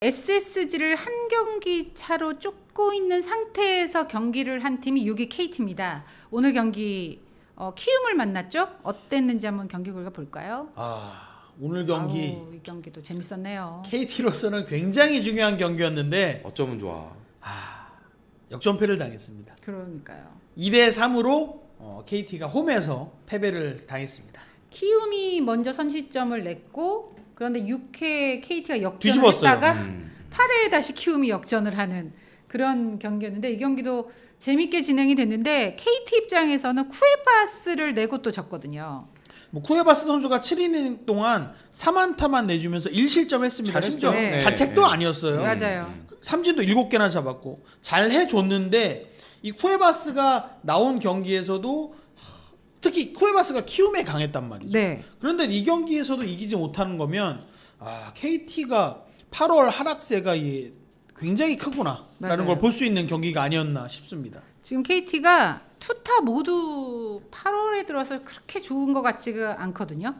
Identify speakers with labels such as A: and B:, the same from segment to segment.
A: SSG를 한 경기 차로 쫓고 있는 상태에서 경기를 한 팀이 6위 KT입니다. 오늘 경기 키움을 만났죠? 어땠는지 한번 경기 결과 볼까요?
B: 오늘 경기
A: 이 경기도 재밌었네요.
B: KT로서는 굉장히 중요한 경기였는데
C: 어쩌면 좋아.
B: 역전패를 당했습니다.
A: 그러니까요.
B: 2대3으로 KT가 홈에서 패배를 당했습니다.
A: 키움이 먼저 선취점을 냈고 그런데 6회 KT가 역전을
B: 뒤집었어요.
A: 했다가 8회에 다시 키움이 역전을 하는 그런 경기였는데 이 경기도 재밌게 진행이 됐는데 KT 입장에서는 쿠에바스를 내고 또 졌거든요.
B: 쿠에바스 선수가 7이닝 동안 3안타만 내주면서 1실점했습니다.
C: 잘했죠.
B: 심지어
A: 네.
B: 자책도 아니었어요.
A: 맞아요.
B: 삼진도 7개나 잡았고 잘 해줬는데 이 쿠에바스가 나온 경기에서도 특히 쿠에바스가 키움에 강했단 말이죠.
A: 네.
B: 그런데 이 경기에서도 이기지 못하는 거면 KT가 8월 하락세가 굉장히 크구나 라는 걸 볼 수 있는 경기가 아니었나 싶습니다.
A: 지금 KT가 투타 모두 8월에 들어서 그렇게 좋은 것 같지가 않거든요.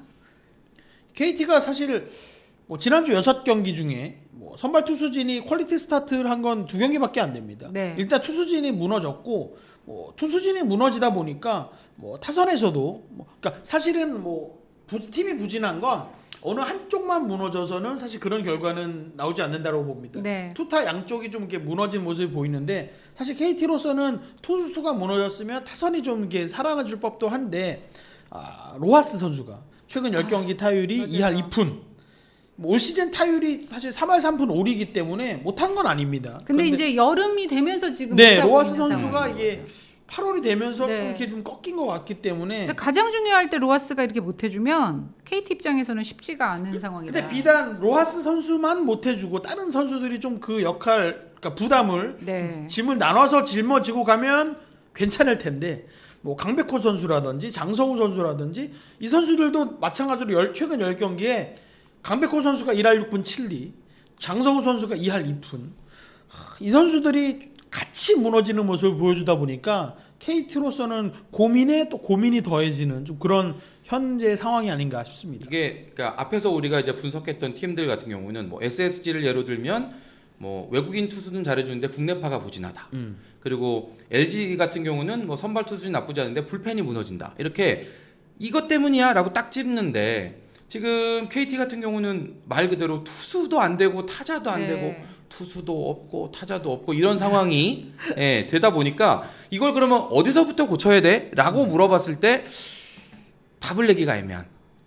B: KT가 사실 지난주 6경기 중에 선발 투수진이 퀄리티 스타트를 한 건 2경기밖에 안 됩니다.
A: 네.
B: 일단 투수진이 무너졌고 투수진이 무너지다 보니까 타선에서도 그러니까 사실은 팀이 부진한 건 어느 한쪽만 무너져서는 사실 그런 결과는 나오지 않는다고 봅니다.
A: 네.
B: 투타 양쪽이 좀 이렇게 무너진 모습이 보이는데 사실 KT로서는 투수가 무너졌으면 타선이 좀 이렇게 살아나줄 법도 한데 로하스 선수가 최근 10경기 타율이 2할 2푼. 올 시즌 타율이 사실 3할 3푼 5리이기 때문에 못한 건 아닙니다.
A: 근데 이제 여름이 되면서 지금
B: 로하스 선수가 이게 8월이 되면서
A: 네.
B: 좀 이렇게 좀 꺾인 것 같기 때문에.
A: 근데 가장 중요할 때 로하스가 이렇게 못 해주면 KT 입장에서는 쉽지가 않은 상황이다.
B: 근데 비단 로하스 선수만 못 해주고 다른 선수들이 좀 그 역할, 그러니까 부담을
A: 네.
B: 짐을 나눠서 짊어지고 가면 괜찮을 텐데 강백호 선수라든지 장성우 선수라든지 이 선수들도 마찬가지로 최근 10경기에 강백호 선수가 1할 6푼 7리, 장성우 선수가 2할 2푼. 이 선수들이 같이 무너지는 모습을 보여주다 보니까 KT로서는 고민에 또 고민이 더해지는 좀 그런 현재 상황이 아닌가 싶습니다.
C: 이게 그러니까 앞에서 우리가 이제 분석했던 팀들 같은 경우는 SSG를 예로 들면 외국인 투수는 잘해주는데 국내파가 부진하다. 그리고 LG 같은 경우는 선발 투수는 나쁘지 않은데 불펜이 무너진다. 이렇게 이것 때문이야라고 딱 찝는데 지금 KT 같은 경우는 말 그대로 투수도 안 되고 타자도 안 되고 투수도 없고 타자도 없고 이런 상황이 되다 보니까 이걸 그러면 어디서부터 고쳐야 돼? 라고 물어봤을 때 답을 내기가 애매한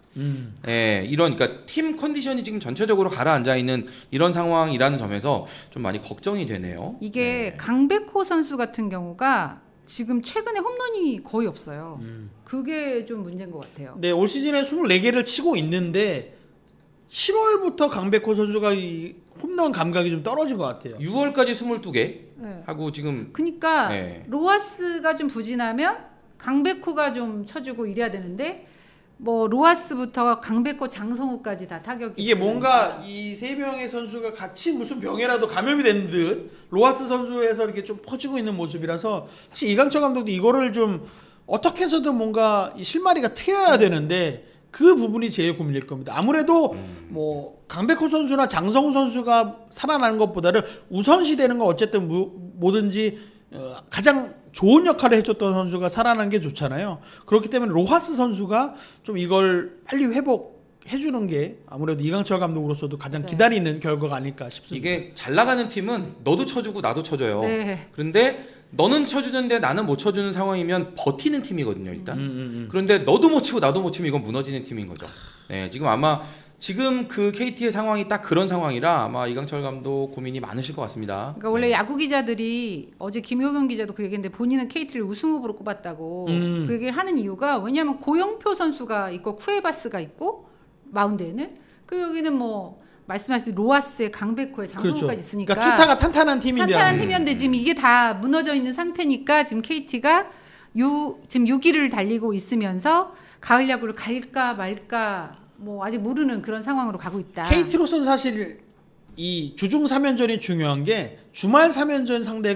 C: 이런 그러니까 팀 컨디션이 지금 전체적으로 가라앉아 있는 이런 상황이라는 점에서 좀 많이 걱정이 되네요.
A: 이게 강백호 선수 같은 경우가 지금 최근에 홈런이 거의 없어요. 그게 좀 문제인 것 같아요.
B: 네, 올 시즌에 24개를 치고 있는데 7월부터 강백호 선수가 이 홈런 감각이 좀 떨어진 것 같아요.
C: 6월까지 22개
A: 네.
C: 하고 지금
A: 그러니까 로하스가 좀 부진하면 강백호가 좀 쳐주고 이래야 되는데 로하스부터 강백호, 장성우까지 다 타격이
B: 이게 뭔가 이 세 명의 선수가 같이 무슨 병에라도 감염이 된 듯 로하스 선수에서 이렇게 좀 퍼지고 있는 모습이라서 사실 이강철 감독도 이거를 좀 어떻게 해서든 뭔가 이 실마리가 트여야 되는데 그 부분이 제일 고민일 겁니다. 아무래도 강백호 선수나 장성우 선수가 살아나는 것보다는 우선시 되는 건 어쨌든 뭐든지 가장 좋은 역할을 해줬던 선수가 살아나는 게 좋잖아요. 그렇기 때문에 로하스 선수가 좀 이걸 빨리 회복해주는 게 아무래도 이강철 감독으로서도 가장 기다리는 결과가 아닐까 싶습니다.
C: 이게 잘 나가는 팀은 너도 쳐주고 나도 쳐줘요.
A: 네.
C: 그런데 너는 쳐주는데 나는 못 쳐주는 상황이면 버티는 팀이거든요, 일단. 그런데 너도 못 치고 나도 못 치면 이건 무너지는 팀인 거죠. 네, 지금 아마 지금 그 KT의 상황이 딱 그런 상황이라 아마 이강철 감독 고민이 많으실 것 같습니다.
A: 그러니까 원래 야구 기자들이 어제 김효경 기자도 그 얘기했는데 본인은 KT를 우승 후보로 꼽았다고 그 얘기를 하는 이유가 왜냐하면 고영표 선수가 있고 쿠에바스가 있고 마운드에는 그 여기는 말씀하신 로하스의 강백호의 장성우까지 있으니까
B: 그러니까 투타가 탄탄한 팀인데
A: 탄탄한 팀이었는데 지금 이게 다 무너져 있는 상태니까 지금 KT가 지금 6위를 달리고 있으면서 가을 야구를 갈까 말까 아직 모르는 그런 상황으로 가고 있다.
B: KT로서는 사실 이 주중 3연전이 중요한 게 주말 3연전 상대가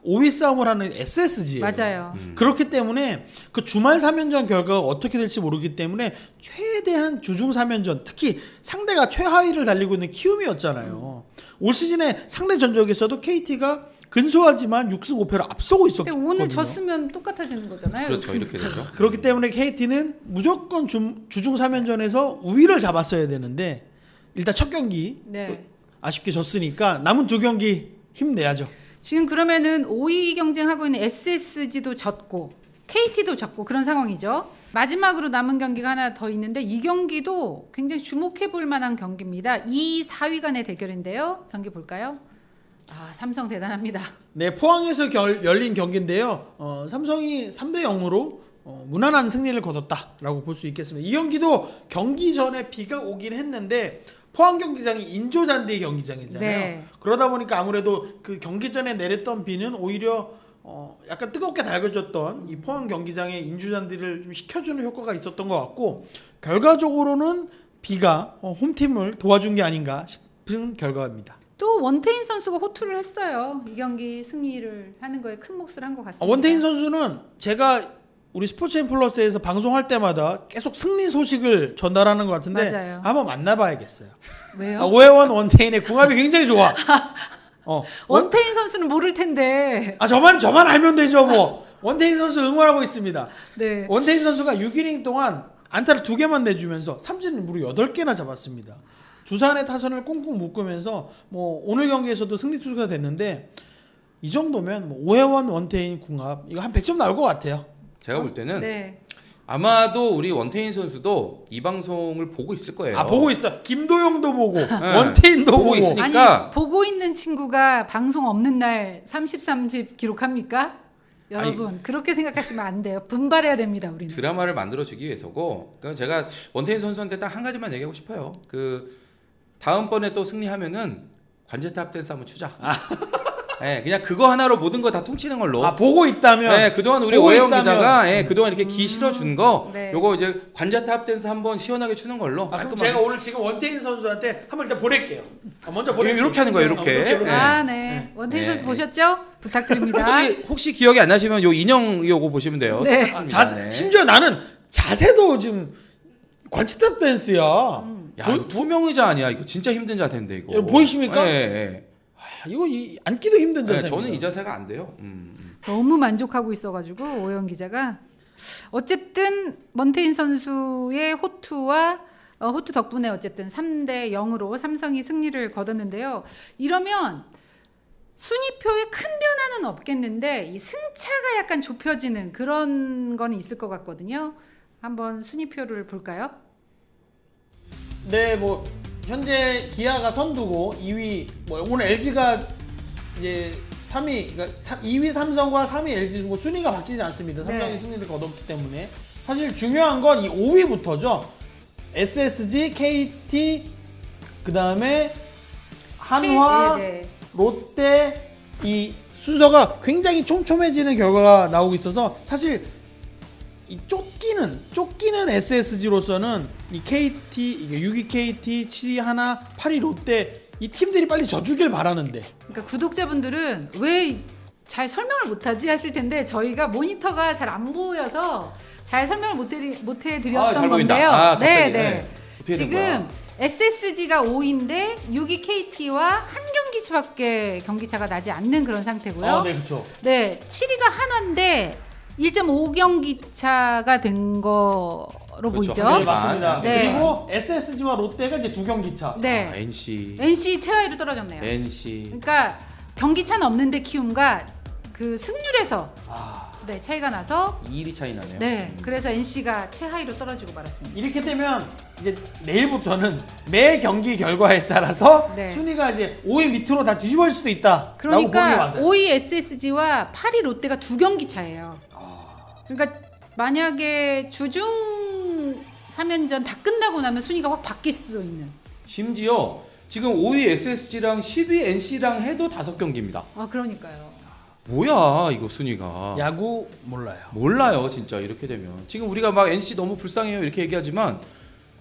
B: 5위 싸움을 하는 SSG예요.
A: 맞아요.
B: 그렇기 때문에 그 주말 3연전 결과가 어떻게 될지 모르기 때문에 최대한 주중 3연전, 특히 상대가 최하위를 달리고 있는 키움이었잖아요. 올 시즌에 상대 전적에서도 KT가 근소하지만 6승 5패로 앞서고
A: 근데
B: 있었거든요.
A: 오늘 졌으면 똑같아지는 거잖아요.
C: 그렇죠. 이렇게 되죠.
B: 그렇기 때문에 KT는 무조건 주중 3연전에서 우위를 잡았어야 되는데 일단 첫 경기
A: 네.
B: 아쉽게 졌으니까 남은 두 경기 힘내야죠.
A: 지금 그러면은 5위 경쟁하고 있는 SSG도 졌고 KT도 졌고 그런 상황이죠. 마지막으로 남은 경기가 하나 더 있는데 이 경기도 굉장히 주목해 볼 만한 경기입니다. 2, 4위 간의 대결인데요. 경기 볼까요? 아, 삼성 대단합니다.
B: 네, 포항에서 열린 경기인데요. 삼성이 3대 0으로 무난한 승리를 거뒀다라고 볼 수 있겠습니다. 이 경기도 경기 전에 비가 오긴 했는데 포항 경기장이 인조잔디 경기장이잖아요.
A: 네.
B: 그러다 보니까 아무래도 그 경기 전에 내렸던 비는 오히려 약간 뜨겁게 달궈졌던 이 포항 경기장의 인조잔디를 좀 식혀주는 효과가 있었던 것 같고 결과적으로는 비가 홈팀을 도와준 게 아닌가 싶은 결과입니다.
A: 또 원태인 선수가 호투를 했어요. 이 경기 승리를 하는 거에 큰 몫을 한 것 같습니다.
B: 원태인 선수는 제가 우리 스포츠앤 플러스에서 방송할 때마다 계속 승리 소식을 전달하는 것 같은데
A: 맞아요.
B: 한번 만나봐야겠어요.
A: 왜요?
B: 오해원 원태인의 궁합이 굉장히 좋아.
A: 원태인 선수는 모를 텐데.
B: 저만 알면 되죠 뭐. 원태인 선수 응원하고 있습니다.
A: 네.
B: 원태인 선수가 6이닝 동안 안타를 2개만 내주면서 삼진 무려 8개나 잡았습니다. 두산의 타선을 꽁꽁 묶으면서 뭐 오늘 경기에서도 승리 투수가 됐는데 이 정도면 뭐 오해원 원태인 궁합 이거 한 100점 나올 것 같아요.
C: 제가 볼 때는
A: 네.
C: 아마도 우리 원태인 선수도 이 방송을 보고 있을 거예요.
B: 보고 있어. 김도영도 보고 원태인도
C: 보고
B: 보고.
C: 있으니까.
A: 아니 보고 있는 친구가 방송 없는 날 30 기록합니까? 여러분 그렇게 생각하시면 안 돼요. 분발해야 됩니다. 우리는.
C: 드라마를 만들어주기 위해서고. 그러니까 제가 원태인 선수한테 딱 한 가지만 얘기하고 싶어요. 그 다음번에 또 승리하면은 관제탑 댄스 한번 추자. 네, 그냥 그거 하나로 모든 거 다 퉁치는 걸로.
B: 보고 있다면.
C: 네, 그동안 우리
B: 보고
C: 오해영
B: 있다면.
C: 기자가 그동안 이렇게 기 실어준 거,
A: 네.
C: 요거 이제 관자탑 댄스 한번 시원하게 추는 걸로.
B: 그럼
C: 깔끔하게.
B: 제가 오늘 지금 원태인 선수한테 한번 일단 보낼게요. 먼저 보낼게요.
C: 이렇게 하는 거예요, 이렇게.
B: 이렇게.
A: 아, 네. 원태인
C: 네.
A: 선수 보셨죠? 부탁드립니다.
C: 혹시 기억이 안 나시면 요 인형 요거 보시면 돼요.
A: 네.
C: 똑같습니다. 네.
B: 심지어 나는 자세도 지금 관치탑 댄스야.
C: 야, 이거 투명 의자 아니야? 이거 진짜 힘든 자세인데 이거.
B: 여러분 보이십니까?
C: 네.
B: 이거 앉기도 힘든
C: 네,
B: 자세.
C: 저는 이 자세가 안 돼요.
A: 너무 만족하고 있어가지고 오영 기자가 어쨌든 원태인 선수의 호투와 호투 덕분에 어쨌든 3대 0으로 삼성이 승리를 거뒀는데요. 이러면 순위표에 큰 변화는 없겠는데 이 승차가 약간 좁혀지는 그런 건 있을 것 같거든요. 한번 순위표를 볼까요?
B: 네, 뭐 현재 기아가 선두고 2위 뭐 오늘 LG가 이제 3위 그러니까 2위 삼성과 3위 LG 뭐 순위가 바뀌지 않습니다. 삼성이
A: 네.
B: 승리를 거뒀기 때문에 사실 중요한 건 이 5위부터죠. SSG, KT 그다음에 한화,
A: 네.
B: 롯데 이 순서가 굉장히 촘촘해지는 결과가 나오고 있어서 사실 이 쫓기는 SSG로서는 이 KT 이게 6위 KT, 7위 하나, 8위 롯데 이 팀들이 빨리 져주길 바라는데
A: 그러니까 구독자분들은 왜 잘 설명을 못하지 하실 텐데 저희가 모니터가 잘 안 보여서 잘 설명을 못 해드렸던
C: 잘 보인다.
A: 건데요.
C: 갑자기.
A: 네.
C: 네. 어떻게 된 거야?
A: 지금 SSG가 5위인데 6위 KT와 한 경기차밖에 경기차가 나지 않는 그런 상태고요.
B: 네, 그렇죠.
A: 네, 7위가 한화인데 1.5경기 차가 된 거로
C: 그렇죠.
A: 보이죠.
C: 한
B: 네, 맞습니다.
A: 네.
B: 그리고 SSG와 롯데가 이제 2경기 차.
A: 네,
C: NC,
A: NC 최하위로 떨어졌네요.
C: NC.
A: 그러니까 경기차는 없는데 키움과 그 승률에서 네, 차이가 나서
C: 2위 차이 나네요.
A: 네, 그래서 NC가 최하위로 떨어지고 말았습니다.
B: 이렇게 되면 이제 내일부터는 매 경기 결과에 따라서
A: 네.
B: 순위가 이제 5위 밑으로 다 뒤집어질 수도 있다.
A: 그러니까 5위 SSG와 8위 롯데가 2경기 차예요. 그러니까 만약에 주중 3연전 다 끝나고 나면 순위가 확 바뀔 수도 있는.
C: 심지어 지금 5위 SSG랑 10위 NC랑 해도 5경기입니다.
A: 아, 그러니까요.
C: 뭐야 이거 순위가.
B: 야구 몰라요.
C: 몰라요 진짜 이렇게 되면. 지금 우리가 막 NC 너무 불쌍해요 이렇게 얘기하지만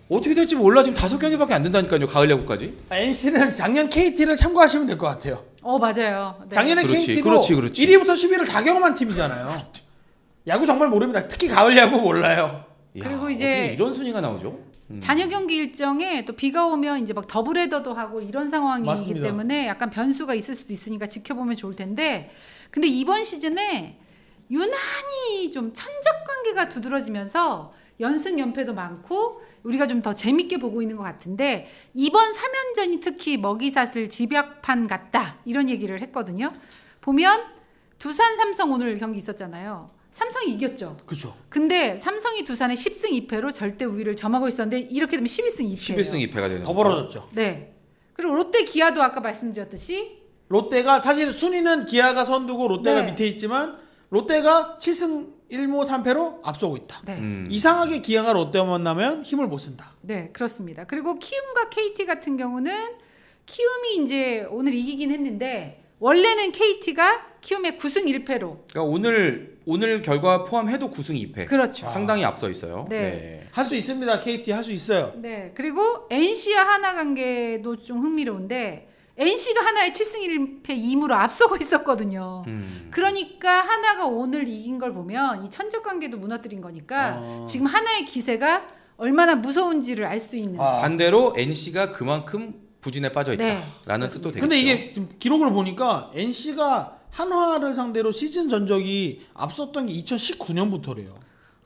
C: 어떻게 될지 몰라. 지금 5경기밖에 안 된다니까요. 가을 야구까지.
B: NC는 작년 KT를 참고하시면 될 것 같아요.
A: 맞아요. 네.
B: 작년에
C: 그렇지,
B: KT도
C: 그렇지.
B: 1위부터 10위를 다 경험한 팀이잖아요. 야구 정말 모릅니다. 특히 가을 야구 몰라요.
A: 그리고
C: 야,
A: 이제
C: 어떻게 이런 순위가 나오죠?
A: 잔여 경기 일정에 또 비가 오면 이제 막 더블헤더도 하고 이런 상황이기
B: 맞습니다.
A: 때문에 약간 변수가 있을 수도 있으니까 지켜보면 좋을 텐데, 근데 이번 시즌에 유난히 좀 천적 관계가 두드러지면서 연승 연패도 많고 우리가 좀 더 재밌게 보고 있는 것 같은데, 이번 3연전이 특히 먹이사슬 집약판 같다 이런 얘기를 했거든요. 보면 두산 삼성 오늘 경기 있었잖아요. 삼성이 이겼죠.
B: 그죠.
A: 근데 삼성이 두산의 10승 2패로 절대 우위를 점하고 있었는데 이렇게 되면 11승 2패예요.
C: 11승 2패가 되는
B: 더
C: 거죠.
B: 벌어졌죠.
A: 네. 그리고 롯데 기아도 아까 말씀드렸듯이
B: 롯데가 사실 순위는 기아가 선두고 롯데가
A: 네.
B: 밑에 있지만 롯데가 7승 1무 3패로 앞서고 있다.
A: 네.
B: 이상하게 기아가 롯데와 만나면 힘을 못 쓴다.
A: 네, 그렇습니다. 그리고 키움과 KT 같은 경우는 키움이 이제 오늘 이기긴 했는데 원래는 KT가 키움의 9승 1패로
C: 그러니까 오늘 결과 포함해도 9승 2패.
A: 그렇죠.
C: 상당히 앞서 있어요.
A: 네.
B: 할 수 있습니다. KT 할 수 있어요.
A: 네. 그리고 NC와 하나 관계도 좀 흥미로운데 NC가 하나의 7승 1패 2무로 앞서고 있었거든요. 그러니까 하나가 오늘 이긴 걸 보면 이 천적 관계도 무너뜨린 거니까 지금 하나의 기세가 얼마나 무서운지를 알 수 있는.
C: 반대로 NC가 그만큼 부진에 빠져
A: 네,
C: 있다라는 뜻도 되겠죠.
B: 근데 이게 지금 기록을 보니까 NC가 한화를 상대로 시즌 전적이 앞섰던 게 2019년부터래요.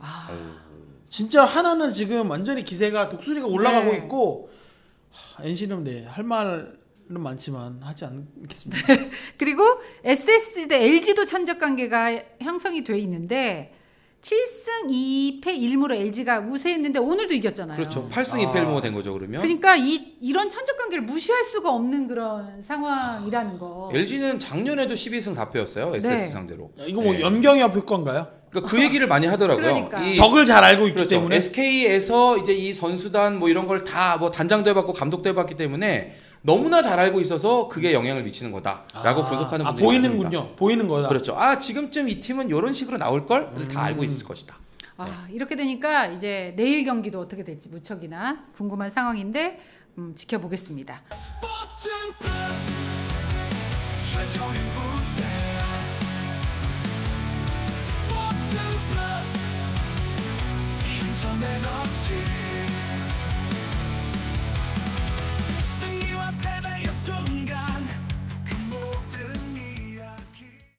B: 진짜 하나는 지금 완전히 기세가 독수리가 올라가고
A: 네.
B: 있고 NC는 네, 할 말은 많지만 하지 않겠습니다.
A: 그리고 SSG 대 LG도 천적 관계가 형성이 돼 있는데 7승 2패 1무로 LG가 우세했는데 오늘도 이겼잖아요.
C: 그렇죠. 8승 2패 1무가 된 거죠. 그러면
A: 그러니까 이런 천적 관계를 무시할 수가 없는 그런 상황이라는 거.
C: LG는 작년에도 12승 4패였어요. SS
A: 네.
C: 상대로.
B: 이거 뭐
C: 네.
B: 연경협 효과인가요?
C: 그러니까 그 얘기를 많이 하더라고요.
A: 그러니까.
B: 적을 잘 알고 있기
C: 그렇죠.
B: 때문에
C: SK에서 이제 이 선수단 뭐 이런 걸 다 뭐 단장도 해봤고 감독도 해봤기 때문에 너무나 잘 알고 있어서 그게 영향을 미치는 거다라고 분석하는 분들이
B: 보이는군요.
C: 많습니다.
B: 보이는 거다.
C: 그렇죠. 지금쯤 이 팀은 이런 식으로 나올 걸 다 알고 있을 것이다.
A: 이렇게 되니까 이제 내일 경기도 어떻게 될지 무척이나 궁금한 상황인데 지켜보겠습니다.
D: 스포츠 플러스 한정의